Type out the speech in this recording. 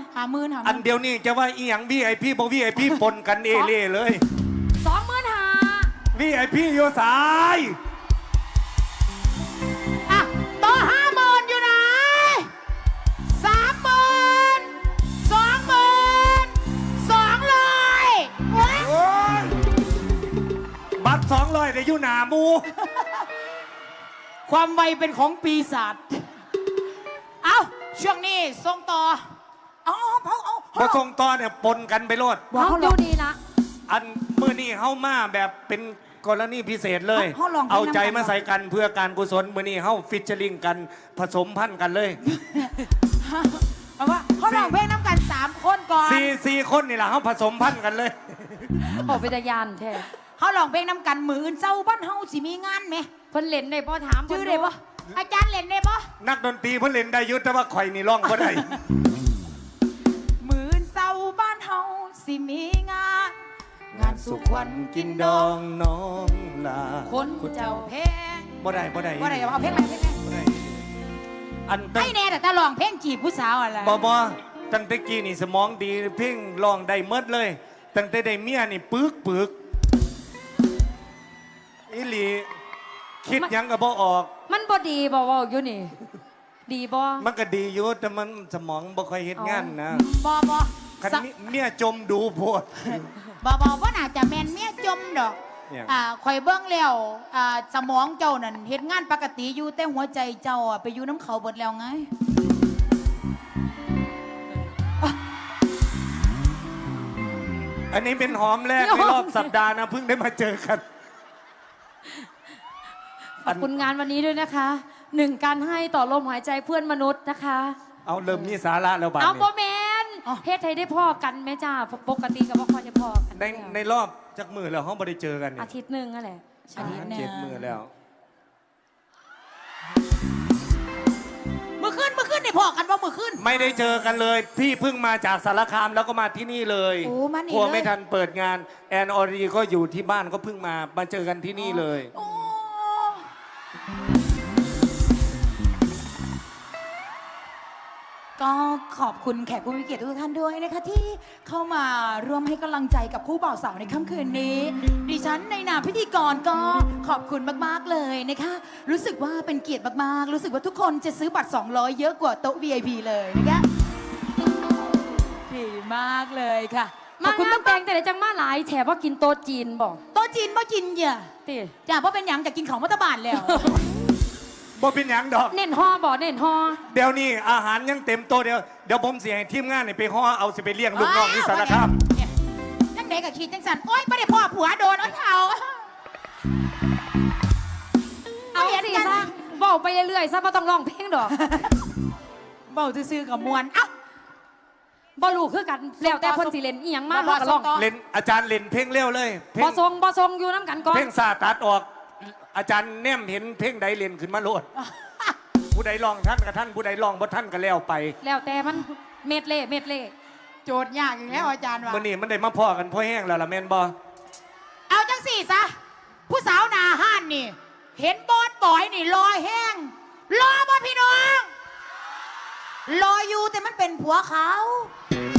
50,000 อันเดียวนี่จะว่าอีหยัง VIP บ่ VIP ปนกันเอเล่เลย 25,000 VIP โยสายอ่ะต่อ50,000อยู่ไหน30,000 20,000 200โอ้ยโอ้ยบัตร200ได้อยู่หน้าหมูความไวเป็นของปีศาจเอาช่วงนี้ส่งต่อเอาบ่ส่งต่อเนี่ยปนกันไปโลดเฮาอยู่ดีละอันมื้อนี้เฮามาแบบเป็นกรณีพิเศษเลย เอาใจมาใส่กันเพื่อการกุศลมื้อนี้เฮาฟิชเชอริงกันผสมพันธุ์กันเลยเอาว่าเขาร้องเพลงน้ำกัน3 คนก่อนสี่คนนี่ล่ะเฮาผสมพันธุ์กันเลยบอกเป็นตาย่านแท้เขาร้องเพลงน้ำกันมืออื่นเจ้าบ้านเฮาสิมีงานไหมเพิ่นเล่นได้บ่ถามชื่อได้ปะอาจารย์เล่นได้ปะนักดนตรีเพิ่นเล่นได้อยุแต่ว่าข่อยนี่ร้องบ่ได้มืออื่นเจ้าบ้านเฮาสิมีงาน งานสุขวัญกินดองน้องลาคนเจ้าเพลงบ่ได้บ่ได้ว่าอะไรเอาเพลงอะไรเพลงอะไรบ่ได้อันตั้ให้งแน่แต่ตาร้องเพลงจีบผู้สาวอะไรบ่ตั้งแต่กี้นี่สมองดีเพ่งร้องได้เมดเลย ตั้งแต่ได้เมียนี่ปึกอีหลีคิดหยังก็บ่ออกมันบ่ดีบ่เว้าอยู่นี่ ดีบ่มันก็ดีอยู่แต่มันสมองบ่ค่อยเฮ็ดงานนะบอบอคันเมียจมดูโพดบอบอว่าน่าจะแมนเมียจมดอกเนี่ยข่อยเบิ้งแล้วสมองเจ้านั่นเฮ็ดงานปกติอยู่แต่หัวใจเจ้าไปอยู่น้ำเขาเบิดแล้วไงอันนี้เป็นหอมแรกในรอบสัปดาห์นะเพิ่งได้มาเจอกันขอบคุณงานวันนี้ด้วยนะคะ1การให้ต่อลมหายใจเพื่อนมนุษย์นะคะเอาเริ่มมีสาระแล้วบัดเอานี้บ่แม่นเฮ็ดให้ได้พ่อกันแม่จ้าปกติก็บ่ค่อยจะพ่อกันในรอบจักมือแล้วเขาไม่ได้เจอกันนี่อาทิตย์หนึงนั่นแหละอาทิตย์หนึ่ง 7 มือแล้วมือขึ้นได้พอกันว่ามือขึ้นไม่ได้เจอกันเลย พี่เพิ่งมาจากสารคามแล้วก็มาที่นี่เลยโอ้มานี่กลัวเลยไม่ทันเปิดงานแอนออรีก็อยู่ที่บ้านก็เพิ่งมาเจอกันที่นี่เลยโอ้ก็ขอบคุณแขกผู้มีเกียรติทุกท่านด้วยนะคะที่เข้ามาร่วมให้กำลังใจกับคู่บ่าวสาวในค่ำคืนนี้ ดิฉันในนามพิธีกรก็ขอบคุณมากๆเลยนะคะ รู้สึกว่าเป็นเกียรติมากๆ รู้สึกว่าทุกคนจะซื้อบัตร200เยอะกว่าโต๊ะ VIP เลยนะคะดีมากเลยค่ะขอบคุณตั้งแต่งแต่ไหนจังมาหลายแถบว่ากินโต๊ะจีนบ่โต๊ะจีนบ่กินเหย่ะติจ้าเพราะเป็นหยังจะกินของมัตตบานแล้วบ่เป็นหยังดอกเน้นห่อบ่เน้นห่อเดี๋ยวนี้อาหารยังเต็มโต๊ะเดี๋ยวผมเสียให้ทีมงานนี่ไปห่อเอาสิไปเลี้ยงลูกน้องที่สารคามเนี่ยจังเด็กกับขีดจังสันโอ๊ยไม่ได้พ่อผัวโดนโอ๊ยเขาเอาสิซะเว้าไปเรื่อยๆซะบ่ต้องร้องเพลงดอกเบาซื่อๆกับมวลเอ้าบ่รู้คือกันแล้วแต่เพิ่นสิเล่นอีหยังมาบ่เฮาก็ร้องส่งต่อเล่นอาจารย์เล่นเพลงเร็วเลยเพลบ่งทรงอยู่น้ำกันก่อนเพลงซาตัดออก อาจารย์แนมเห็นเพลงใดเล่นขึ้นมาโลด ผู้ใดลองท่านกับท่านผู้ใดลองบ่ท่านก็แล้วไปแล้วแต่มันเม็ดเล่โจทย์ยากอีกแล้วอาจารย์ว่ามื่อนี้มันได้มาพ่อกันพ่อแห้งแล้วล่ะแม่นบ่เอาจังสี่ซะผู้สาวหนาห้านนี่ เห็นบอสบอยนี่ลอยแห้งรอบ่พี่น้องรออยู่แต่มันเป็นผัวเขา